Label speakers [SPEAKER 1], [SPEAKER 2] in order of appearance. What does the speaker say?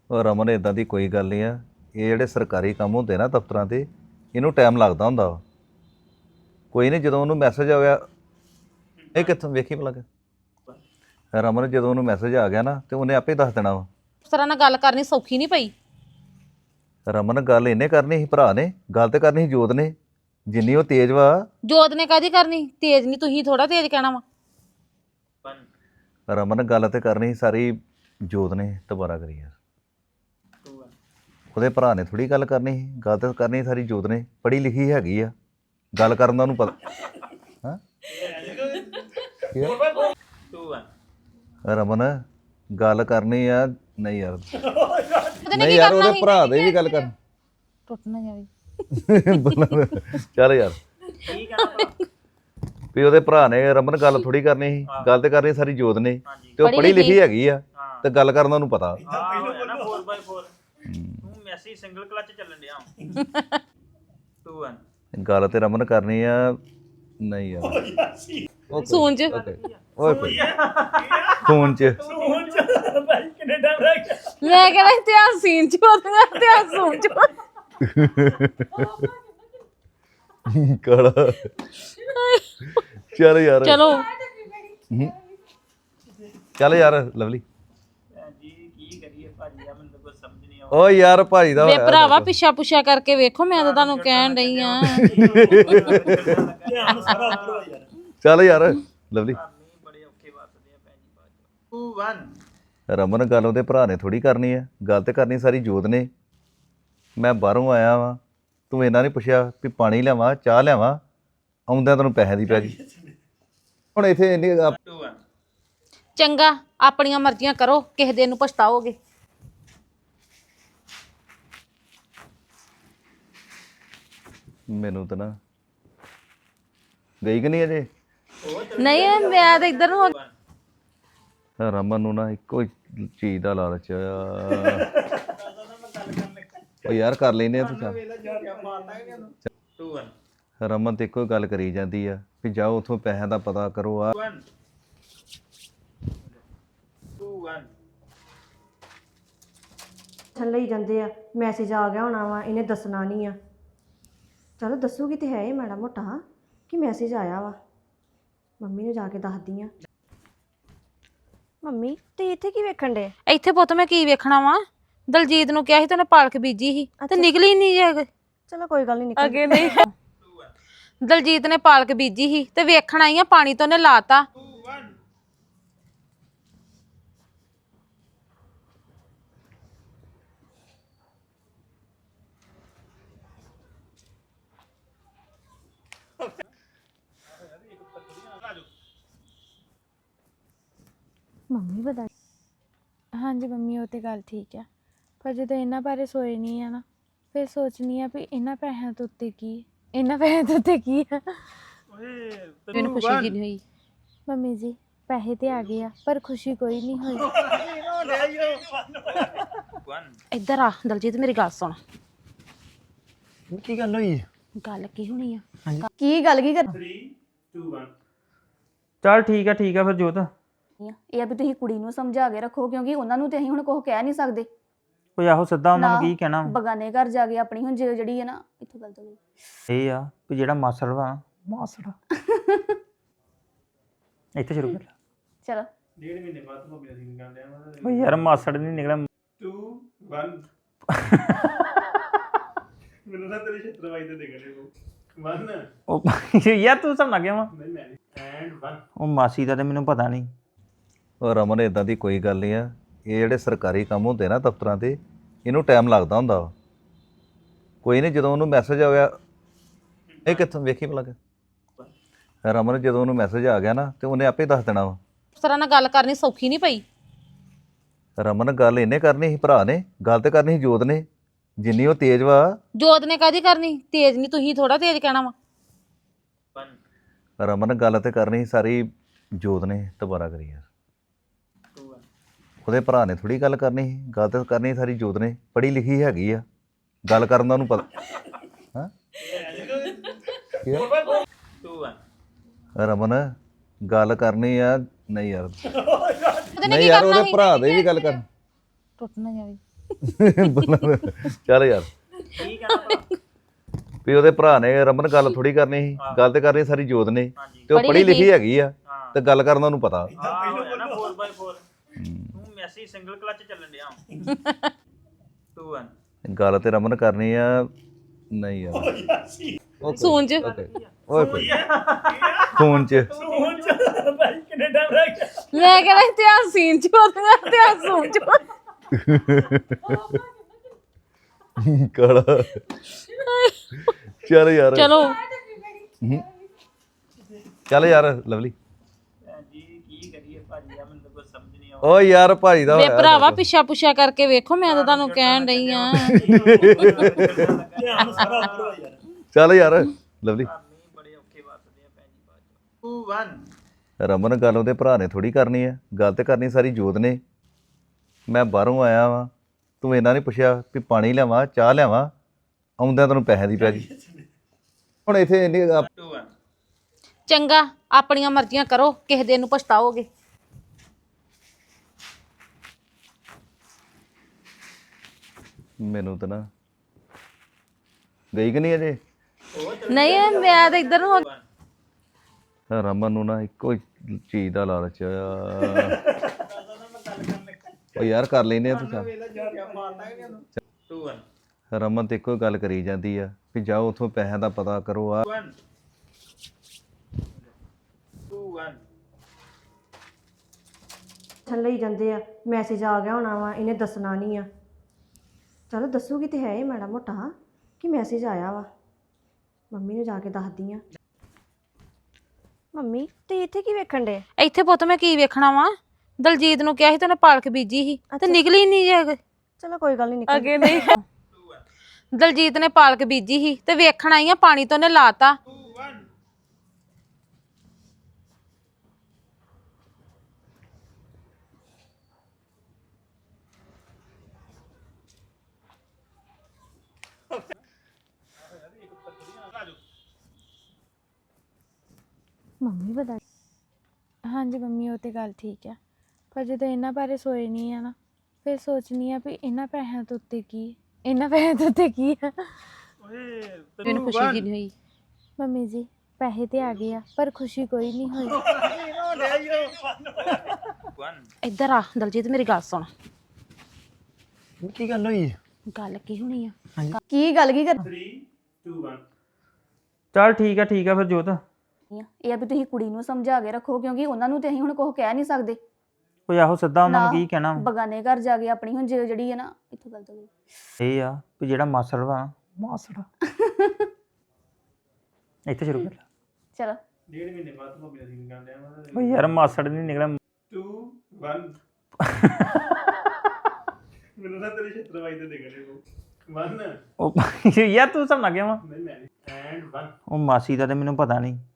[SPEAKER 1] ਉਹ ਰਮਨ ਇਦਾਂ ਦੀ ਕੋਈ ਗੱਲ ਨਹੀਂ ਆ। ਇਹ ਜਿਹੜੇ ਸਰਕਾਰੀ ਕੰਮ ਹੁੰਦੇ ਨਾ ਦਫ਼ਤਰਾਂ ਤੇ, ਇਹਨੂੰ ਟਾਈਮ ਲੱਗਦਾ ਹੁੰਦਾ ਵਾ। ਕੋਈ ਨਹੀਂ, ਜਦੋਂ ਉਹਨੂੰ ਮੈਸੇਜ ਆ ਗਿਆ, ਇਹ ਕਿੱਥੋਂ ਵੇਖੀ ਭਲਾ ਰਮਨ, ਜਦੋਂ ਉਹਨੂੰ ਮੈਸੇਜ ਆ ਗਿਆ ਨਾ ਤੇ ਉਹਨੇ ਆਪੇ ਦੱਸ ਦੇਣਾ ਵਾ।
[SPEAKER 2] ਉਸ ਤਰ੍ਹਾਂ ਨਾਲ ਗੱਲ ਕਰਨੀ ਸੌਖੀ ਨਹੀਂ ਪਈ।
[SPEAKER 1] ਰਮਨ ਗੱਲ ਇਹਨੇ ਕਰਨੀ ਸੀ, ਭਰਾ ਨੇ ਗੱਲ ਤੇ ਕਰਨੀ ਸੀ ਜੋਤ ਨੇ। ਜਿੰਨੀ ਉਹ ਤੇਜ਼ ਵਾ।
[SPEAKER 2] ਜੋਤ ਨੇ ਕਾਹਦੀ ਕਰਨੀ? ਤੇਜ਼ ਨਹੀਂ, ਤੁਸੀਂ ਥੋੜਾ ਤੇਜ਼ ਕਹਿਣਾ ਵਾ।
[SPEAKER 1] ਰਮਨ ਗੱਲ ਤੇ ਕਰਨੀ ਸੀ ਸਾਰੀ ਜੋਤ ਨੇ। ਦੁਬਾਰਾ ਕਰੀ ਯਾਰ। ਉਹਦੇ ਭਰਾ ਨੇ ਥੋੜੀ ਗੱਲ ਕਰਨੀ ਸੀ, ਗੱਲ ਤੇ ਕਰਨੀ ਸਾਰੀ ਜੋਤ ਨੇ। ਪੜ੍ਹੀ ਲਿਖੀ ਹੈਗੀ ਆ, ਗੱਲ ਕਰਨ ਦਾ ਉਹਨੂੰ ਪਤਾ। ਹਾਂ ਰਮਨ ਗੱਲ ਕਰਨੀ ਆ। ਨਹੀਂ ਯਾਰ, ਨਹੀਂ ਯਾਰ, ਉਹਦੇ ਭਰਾ ਦੇ ਵੀ ਗੱਲ ਕਰ।
[SPEAKER 2] ਟੁੱਟ ਨਾ ਜਾਵੇ।
[SPEAKER 1] ਚੱਲ ਯਾਰ, ਵੀ ਉਹਦੇ ਭਰਾ ਨੇ ਰਮਨ ਗੱਲ ਥੋੜੀ ਕਰਨੀ ਸੀ, ਗੱਲ ਤੇ ਕਰਨੀ ਸਾਰੀ ਜੋਤ ਨੇ। ਤੇ ਉਹ ਪੜ੍ਹੀ ਲਿਖੀ ਹੈਗੀ ਆ ਤੇ ਗੱਲ ਕਰਨ ਦਾ ਉਹਨੂੰ ਪਤਾ। ਗੱਲ ਤੇ ਰਮਨ ਕਰਨੀ ਆ। ਨਹੀਂ ਯਾਰ,
[SPEAKER 2] ਸੂਨ ਚ
[SPEAKER 1] ਓਏ ਫੋਨ ਚ
[SPEAKER 2] ਮੈਂ ਕਹਿੰਦਾ ਇਤਿਹਾਸ ਸੀਨ ਚ ਹੋਣਾ, ਇਤਿਹਾਸ ਸੂਨ ਚ
[SPEAKER 1] ਕਾਲਾ। ਚੱਲ ਯਾਰ,
[SPEAKER 2] ਚਲੋ
[SPEAKER 1] ਚੱਲ ਯਾਰ ਲਵਲੀ। ਓ ਯਾਰ ਭਾਜੀ ਦਾ
[SPEAKER 2] ਵੇ ਭਰਾਵਾ, ਪਿੱਛਾ ਪੁੱਛਾ ਕਰਕੇ ਵੇਖੋ। ਮੈਂ ਤਾਂ ਤੁਹਾਨੂੰ ਕਹਿਣ ਡਈ ਆ।
[SPEAKER 1] ਚੱਲ ਯਾਰ ਲਵਲੀ। ਰਮਨ ਗੱਲ ਉਹਦੇ ਭਰਾ ਨੇ ਥੋੜੀ ਕਰਨੀ ਆ, ਗੱਲ ਤੇ ਕਰਨੀ ਸਾਰੀ ਜੋਤ ਨੇ। ਮੈਂ ਬਾਹਰੋਂ ਆਇਆ ਵਾਂ, ਤੂੰ ਇਹਨਾਂ ਨੇ ਪੁੱਛਿਆ ਵੀ ਪਾਣੀ ਲਿਆਵਾਂ ਚਾਹ ਲਿਆਵਾਂ, ਆਉਂਦਿਆਂ ਤੈਨੂੰ ਪੈਸੇ ਦੀ ਪੈ ਗਈ। ਹੁਣ ਇੱਥੇ ਇੰਨੀ
[SPEAKER 2] ਚੰਗਾ, ਆਪਣੀਆਂ ਮਰਜ਼ੀਆਂ ਕਰੋ, ਕਿਸੇ ਦਿਨ ਨੂੰ ਪਛਤਾਓਗੇ।
[SPEAKER 1] ਮੈਨੂੰ ਤਾਂ ਨਾ ਗਈ ਕਿ ਨਹੀਂ ਅਜੇ।
[SPEAKER 2] ਨਹੀਂ, ਮੈਂ ਤਾਂ ਇੱਧਰ ਨੂੰ ਹੋ
[SPEAKER 1] ਰਮਨ ਨੂੰ ਨਾ ਇੱਕੋ ਹੀ ਚੀਜ਼ ਦਾ ਲਾਲਚ ਆ। ਉਹ ਯਾਰ ਕਰ ਲੈਨੇ ਆ ਤੂੰ। ਚੱਲ ਰਮਨ ਤੇ ਇੱਕੋ ਹੀ ਗੱਲ ਕਰੀ ਜਾਂਦੀ ਆ ਵੀ ਜਾਓ ਉੱਥੋਂ ਪੈਸਿਆਂ ਦਾ ਪਤਾ ਕਰੋ। ਆ
[SPEAKER 3] ਥੱਲੇ ਹੀ ਜਾਂਦੇ ਆ। ਮੈਸੇਜ ਆ ਗਿਆ ਹੋਣਾ ਵਾ, ਇਹਨੇ ਦੱਸਣਾ ਨਹੀਂ ਆ। ਚਲੋ ਦੱਸੂਗੀ ਤੇ ਹੈ ਇਹ ਮਾੜਾ ਮੋਟਾ ਕਿ ਮੈਸੇਜ ਆਇਆ ਵਾ। ਮੰਮੀ ਨੂੰ ਜਾ ਕੇ ਦੱਸਦੀ ਆ। ਮੰਮੀ ਤੇ ਇੱਥੇ ਕੀ ਵੇਖਣ ਦੇ?
[SPEAKER 2] ਇੱਥੇ ਪੁੱਤ ਮੈਂ ਕੀ ਵੇਖਣਾ ਵਾ? ਦਲਜੀਤ ਨੂੰ ਕਿਹਾ ਸੀ ਤੇ ਉਹਨੇ ਪਾਲਕ ਬੀਜੀ ਸੀ ਤੇ ਨਿਕਲੀ ਨਹੀਂ ਜੇ।
[SPEAKER 3] ਚਲੋ ਕੋਈ ਗੱਲ ਨਹੀਂ, ਨਿਕਲ
[SPEAKER 2] ਅੱਗੇ ਨਹੀਂ। ਦਲਜੀਤ ਨੇ ਪਾਲਕ ਬੀਜੀ ਸੀ ਤੇ ਵੇਖਣ ਆਈ ਆ, ਪਾਣੀ ਤੋਂ ਉਹਨੇ ਲਾਤਾ।
[SPEAKER 4] ਮੰਮੀ ਬਤਾ। ਹਾਂਜੀ ਮੰਮੀ, ਉਹ ਤੇ ਗੱਲ ਠੀਕ ਆ, ਪਰ ਜਦੋਂ ਇਹਨਾਂ ਬਾਰੇ ਸੋਏ ਨਹੀਂ ਆ ਨਾ, ਫਿਰ ਸੋਚਣੀ ਆ ਵੀ ਇਹਨਾਂ ਪੈਸਿਆਂ ਤੋਂ ਉੱਤੇ ਕੀ, ਇਹਨਾਂ ਪੈਸਿਆਂ ਤੋਂ ਉੱਤੇ ਕੀ ਆ।
[SPEAKER 2] ਮੈਨੂੰ ਖੁਸ਼ੀ ਜੀ ਨਹੀਂ ਹੋਈ।
[SPEAKER 4] ਮੰਮੀ ਜੀ, ਪੈਸੇ ਤੇ ਆ ਗਏ ਆ ਪਰ ਖੁਸ਼ੀ ਕੋਈ ਨਹੀਂ ਹੋਈ।
[SPEAKER 2] ਇੱਧਰ ਆ ਦਲਜੀਤ, ਮੇਰੀ ਗੱਲ ਸੁਣ।
[SPEAKER 5] ਕੀ ਗੱਲ ਹੋਈ?
[SPEAKER 2] ਗੱਲ ਕੀ ਹੋਣੀ ਆ?
[SPEAKER 3] ਕੀ ਗੱਲ ਕੀ ਕਰ?
[SPEAKER 5] 3 2 1 ਚੱਲ ਠੀਕ ਆ ਫਿਰ ਜੋਤ।
[SPEAKER 6] ਇਹ ਆ ਵੀ ਤੁਸੀਂ ਕੁੜੀ ਨੂੰ ਸਮਝਾ ਕੇ ਰੱਖੋ, ਕਿਉਂਕਿ ਉਹਨਾਂ ਨੂੰ ਤੇ ਅਸੀਂ ਹੁਣ ਕੁਝ ਕਹਿ ਨਹੀਂ ਸਕਦੇ।
[SPEAKER 5] ਓਏ ਆਹੋ ਸਿੱਧਾ ਉਹਨਾਂ ਨੂੰ
[SPEAKER 6] ਨਾ,
[SPEAKER 5] ਕੀ ਕਹਿਣਾ ਵਾ?
[SPEAKER 6] ਬਗਾਨੇ ਘਰ ਜਾ ਕੇ ਆਪਣੀ ਹੁਣ ਜਿਹੜੀ ਹੈ ਨਾ, ਇੱਥੋਂ ਗਲਤ ਹੋ ਗਈ।
[SPEAKER 5] ਇਹ ਆ ਵੀ ਜਿਹੜਾ ਮਾਸੜ ਵਾ, ਮਾਸੜ ਇੱਥੇ ਸ਼ੁਰੂ ਕਰ।
[SPEAKER 6] ਚਲੋ
[SPEAKER 7] 1.5 ਮਹੀਨੇ ਬਾਅਦ ਹੋ ਗਿਆ ਸੀ ਗੱਲ ਆ।
[SPEAKER 5] ਓਏ ਯਾਰ ਮਾਸੜ ਨਹੀਂ ਨਿਕਲਿਆ।
[SPEAKER 7] 2 1 ਮੈਨੂੰ ਨਾ ਤੇਰੇ ਛੇਤਰਵਾਈ ਦੇ ਦੇਖਣੇ ਕੋ 1
[SPEAKER 5] ਉਹ ਯਾਰ ਤੂੰ ਸਮਝ ਗਿਆ ਵਾ।
[SPEAKER 7] ਨਹੀਂ ਮੈਂ ਐਂਡ 1
[SPEAKER 5] ਉਹ ਮਾਸੀ ਦਾ ਤੇ ਮੈਨੂੰ ਪਤਾ ਨਹੀਂ।
[SPEAKER 1] ਉਹ ਰਮਨ ਇਦਾਂ ਦੀ ਕੋਈ ਗੱਲ ਨਹੀਂ ਆ। ਇਹ ਜਿਹੜੇ ਸਰਕਾਰੀ ਕੰਮ ਹੁੰਦੇ ਨਾ ਦਫ਼ਤਰਾਂ ਤੇ, ਇਹਨੂੰ ਟਾਈਮ ਲੱਗਦਾ ਹੁੰਦਾ ਵਾ। ਕੋਈ ਨਹੀਂ, ਜਦੋਂ ਉਹਨੂੰ ਮੈਸੇਜ ਆ ਗਿਆ, ਇਹ ਕਿੱਥੋਂ ਵੇਖੀ ਭਲਾ ਰਮਨ, ਜਦੋਂ ਉਹਨੂੰ ਮੈਸੇਜ ਆ ਗਿਆ ਨਾ ਤੇ ਉਹਨੇ ਆਪੇ ਦੱਸ ਦੇਣਾ ਵਾ।
[SPEAKER 2] ਉਸ ਤਰ੍ਹਾਂ ਨਾਲ ਗੱਲ ਕਰਨੀ ਸੌਖੀ ਨਹੀਂ ਪਈ।
[SPEAKER 1] ਰਮਨ ਗੱਲ ਇਹਨੇ ਕਰਨੀ ਸੀ, ਭਰਾ ਨੇ ਗੱਲ ਤੇ ਕਰਨੀ ਸੀ ਜੋਤ ਨੇ। ਜਿੰਨੀ ਉਹ ਤੇਜ਼ ਵਾ।
[SPEAKER 2] ਜੋਤ ਨੇ ਕਾਹਦੀ ਕਰਨੀ? ਤੇਜ਼ ਨਹੀਂ, ਤੁਸੀਂ ਥੋੜਾ ਤੇਜ਼ ਕਹਿਣਾ ਵਾ।
[SPEAKER 1] ਰਮਨ ਗੱਲ ਤੇ ਕਰਨੀ ਸੀ ਸਾਰੀ ਜੋਤ ਨੇ। ਦੁਬਾਰਾ ਕਰੀ ਯਾਰ। ਉਹਦੇ ਭਰਾ ਨੇ ਥੋੜੀ ਗੱਲ ਕਰਨੀ ਸੀ, ਗੱਲ ਤੇ ਕਰਨੀ ਸਾਰੀ ਜੋਤ ਨੇ। ਪੜ੍ਹੀ ਲਿਖੀ ਹੈਗੀ ਆ, ਗੱਲ ਕਰਨ ਦਾ ਉਹਨੂੰ ਪਤਾ। ਹਾਂ ਰਮਨ ਗੱਲ ਕਰਨੀ ਆ। ਨਹੀਂ ਯਾਰ, ਨਹੀਂ ਯਾਰ, ਉਹਦੇ ਭਰਾ ਦੇ ਵੀ ਗੱਲ ਕਰ।
[SPEAKER 2] ਟੁੱਟ ਨਾ ਜਾਵੇ।
[SPEAKER 1] ਚੱਲ ਯਾਰ
[SPEAKER 5] ਠੀਕ ਹੈ ਨਾ
[SPEAKER 1] ਵੀ ਉਹਦੇ ਭਰਾ ਨੇ ਰਮਨ ਗੱਲ ਥੋੜੀ ਕਰਨੀ ਸੀ, ਗੱਲ ਤੇ ਕਰਨੀ ਸਾਰੀ ਜੋਤ ਨੇ, ਤੇ ਉਹ ਪੜ੍ਹੀ ਲਿਖੀ ਹੈਗੀ ਆ
[SPEAKER 5] ਹਾਂ
[SPEAKER 1] ਤੇ ਗੱਲ ਕਰਨ ਦਾ ਉਹਨੂੰ ਪਤਾ।
[SPEAKER 5] ਆ ਹੋਇਆ ਨਾ 4x4 ਤੂੰ ਮੈਸੀ ਸਿੰਗਲ ਕਲਚ ਚੱਲਣ ਡਿਆ 2 1
[SPEAKER 1] ਗੱਲ ਤੇ ਰਮਨ ਕਰਨੀ ਆ। ਨਹੀਂ ਯਾਰ ਓਕੇ,
[SPEAKER 2] ਸੂੰਝ
[SPEAKER 1] ਓਕੇ ਓਏ ਭਾਈ ਫੋਨ 'ਚ
[SPEAKER 7] ਭਾਈ ਕਿੰਨੇ ਟਾਈਮ ਲੱਗ ਗਿਆ
[SPEAKER 2] ਮੈਂ ਕਹਿੰਦਾ ਇਤਿਹਾਸ ਸੀਨ ਚ ਹੋਣਾ ਇਤਿਹਾਸ ਸੂਣ ਚ
[SPEAKER 1] ਕਾਲਾ ਚੱਲ ਯਾਰ
[SPEAKER 2] ਚਲੋ
[SPEAKER 1] ਚੱਲ ਯਾਰ ਲਵਲੀ।
[SPEAKER 5] ਜੀ ਕੀ ਕਰੀਏ ਭਾਜੀ ਆ ਮੈਨੂੰ ਤਾਂ ਕੁਝ ਸਮਝ ਨਹੀਂ
[SPEAKER 1] ਓ ਯਾਰ ਭਾਈ ਦਾ
[SPEAKER 2] ਵੇ
[SPEAKER 1] ਹੋਇਆ
[SPEAKER 2] ਭਰਾਵਾ ਪਿੱਛਾ ਪੁੱਛਾ ਕਰਕੇ ਵੇਖੋ ਮੈਂ ਤਾਂ ਤੁਹਾਨੂੰ ਕਹਿਣ ਡਈ ਆ
[SPEAKER 7] ਧਿਆਨ ਸਾਰਾ ਉੱਪਰ ਹੋਇਆ ਯਾਰ
[SPEAKER 1] ਚੱਲ ਯਾਰ ਲਵਲੀ।
[SPEAKER 5] ਨਹੀਂ ਬੜੇ ਔਖੇ ਵਸਦੇ ਆ ਭੈਣ ਜੀ ਬਾਅਦ 2 1
[SPEAKER 1] ਰਮਨ ਗੱਲ ਉਹਦੇ ਭਰਾ ਨੇ ਥੋੜੀ ਕਰਨੀ ਆ, ਗੱਲ ਤੇ ਕਰਨੀ ਸਾਰੀ ਜੋਤ ਨੇ। ਮੈਂ ਬਾਹਰੋਂ ਆਇਆ ਵਾਂ, ਤੂੰ ਇਹਨਾਂ ਨੇ ਪੁੱਛਿਆ ਵੀ ਪਾਣੀ ਲਿਆਵਾਂ ਚਾਹ ਲਿਆਵਾਂ, ਆਉਂਦਿਆਂ ਤੈਨੂੰ ਪੈਸਿਆਂ ਦੀ ਪੈ ਗਈ। ਹੁਣ ਇੱਥੇ ਇੰਨੀ
[SPEAKER 5] 2 1
[SPEAKER 2] ਚੰਗਾ ਆਪਣੀਆਂ ਮਰਜ਼ੀਆਂ ਕਰੋ, ਕਿਸੇ ਦਿਨ ਨੂੰ ਪਛਤਾਓਗੇ।
[SPEAKER 1] ਮੈਨੂੰ ਤਾਂ ਨਾ ਗਈ ਕਿ ਨਹੀਂ ਅਜੇ।
[SPEAKER 2] ਨਹੀਂ ਮੈਂ ਤਾਂ ਇੱਧਰ ਨੂੰ ਹੋ
[SPEAKER 1] ਰਮਨ ਨੂੰ ਨਾ ਇੱਕੋ ਹੀ ਚੀਜ਼ ਦਾ ਲਾਲਚ ਆ। ਉਹ ਯਾਰ ਕਰ ਲੈਨੇ ਆ ਤੂੰ ਚੱਲ।
[SPEAKER 5] 2 1
[SPEAKER 1] ਰਮਨ ਤੇ ਇੱਕੋ ਹੀ ਗੱਲ ਕਰੀ ਜਾਂਦੀ ਆ ਵੀ ਜਾਓ ਉੱਥੋਂ ਪੈਸਿਆਂ ਦਾ ਪਤਾ ਕਰੋ। ਆ
[SPEAKER 5] 2 1
[SPEAKER 3] ਥੱਲੇ ਹੀ ਜਾਂਦੇ ਆ, ਮੈਸੇਜ ਆ ਗਿਆ ਹੋਣਾ ਵਾ, ਇਹਨੇ ਦੱਸਣਾ ਨਹੀਂ ਆ। ਚਲੋ ਦੱਸੂਗੀ ਤੇ ਹੈ ਇਹ ਮਾੜਾ ਮੋਟਾ ਕਿ ਮੈਸੇਜ ਆਇਆ ਵਾ। ਮੰਮੀ ਨੂੰ ਜਾ ਕੇ ਦੱਸਦੀ ਆ। ਮੰਮੀ ਤੇ ਇੱਥੇ ਕੀ ਵੇਖਣ ਦੇ?
[SPEAKER 2] ਇੱਥੇ ਪੁੱਤ ਮੈਂ ਕੀ ਵੇਖਣਾ ਵਾ, ਦਲਜੀਤ ਨੂੰ ਕਿਹਾ ਸੀ ਤੇ ਉਹਨੇ ਪਾਲਕ ਬੀਜੀ ਸੀ ਤੇ ਨਿਕਲੀ ਨਹੀਂ ਜੇ
[SPEAKER 3] ਚਲੋ ਕੋਈ ਗੱਲ ਨਹੀਂ, ਨਿਕਲ
[SPEAKER 2] ਅੱਗੇ ਨਹੀਂ। ਦਲਜੀਤ ਨੇ ਪਾਲਕ ਬੀਜੀ ਸੀ ਤੇ ਵੇਖਣ ਆਈ ਆ, ਪਾਣੀ ਤੋਂ ਉਹਨੇ ਲਾਤਾ।
[SPEAKER 5] 2 1
[SPEAKER 4] ਮੰਮੀ ਬਤਾ ਹਾਂਜੀ ਮੰਮੀ ਉਹ ਤੇ ਗੱਲ ਠੀਕ ਆ, ਪਰ ਜਦੋਂ ਇਹਨਾਂ ਬਾਰੇ ਸੋਏ ਨਹੀਂ ਆ ਨਾ, ਫਿਰ ਸੋਚਣੀ ਆ ਵੀ ਇਹਨਾਂ ਪੈਸਿਆਂ ਤੋਂ ਉੱਤੇ ਕੀ, ਇਹਨਾਂ ਪੈਸਿਆਂ ਤੋਂ ਉੱਤੇ ਕੀ ਆ।
[SPEAKER 2] ਮੈਨੂੰ ਖੁਸ਼ੀ ਜੀ ਨਹੀਂ ਹੋਈ।
[SPEAKER 4] ਮੰਮੀ ਜੀ ਪੈਸੇ ਤੇ ਆ ਗਏ ਆ, ਪਰ ਖੁਸ਼ੀ ਕੋਈ ਨਹੀਂ ਹੋਈ।
[SPEAKER 5] 1
[SPEAKER 2] ਇੱਧਰ ਆ ਦਲਜੀਤ, ਮੇਰੀ ਗੱਲ ਸੁਣ।
[SPEAKER 8] ਕੀ ਗੱਲ ਹੋਈ?
[SPEAKER 2] ਗੱਲ ਕੀ ਹੋਣੀ ਆ?
[SPEAKER 6] ਕੀ ਗੱਲ ਕੀ ਕਰ
[SPEAKER 7] 3 2 1
[SPEAKER 5] ਚੱਲ ਠੀਕ ਹੈ ਫਿਰ ਜੋਤ।
[SPEAKER 6] ਇਹ ਆ ਵੀ ਤੁਸੀਂ ਕੁੜੀ ਨੂੰ ਸਮਝਾ ਕੇ ਰੱਖੋ, ਕਿਉਂਕਿ ਉਹਨਾਂ ਨੂੰ ਤੇ ਅਸੀਂ ਹੁਣ ਕੁਝ ਕਹਿ ਨਹੀਂ ਸਕਦੇ।
[SPEAKER 5] ਕੋਈ ਆਹੋ ਸਿੱਧਾ ਉਹਨਾਂ ਨੂੰ
[SPEAKER 6] ਨਾ,
[SPEAKER 5] ਕੀ ਕਹਿਣਾ ਵਾ?
[SPEAKER 6] ਬਗਾਨੇ ਘਰ ਜਾ ਕੇ ਆਪਣੀ ਹੁਣ ਜਿਹੜੀ ਹੈ ਨਾ, ਇੱਥੋਂ ਗਲਤ ਹੋ ਗਈ।
[SPEAKER 5] ਇਹ ਆ ਵੀ ਜਿਹੜਾ ਮਾਸੜ ਵਾ ਮਾਸੜ ਇੱਥੇ ਸ਼ੁਰੂ ਕਰ
[SPEAKER 6] ਚਲੋ
[SPEAKER 7] 1.5 ਮਹੀਨੇ ਬਾਅਦ ਭਾਬੀ ਦਾ ਸੀਨ ਕਰਦੇ ਆ
[SPEAKER 5] ਓ ਯਾਰ ਮਾਸੜ ਨਹੀਂ ਨਿਕਲਿਆ
[SPEAKER 7] 2 1 ਮੈਨੂੰ ਨਾ ਤੇਰੇ ਛੇਤਰ ਵਾਈ ਦੇ ਦੇਖਣੇ ਉਹ 1
[SPEAKER 5] ਉਹ ਯਾਰ ਤੂੰ ਸਮਝ ਗਿਆ ਵਾ
[SPEAKER 7] ਨਹੀਂ ਮੈਂ ਐਂਡ 1
[SPEAKER 5] ਉਹ ਮਾਸੀ ਦਾ ਤੇ ਮੈਨੂੰ ਪਤਾ ਨਹੀਂ,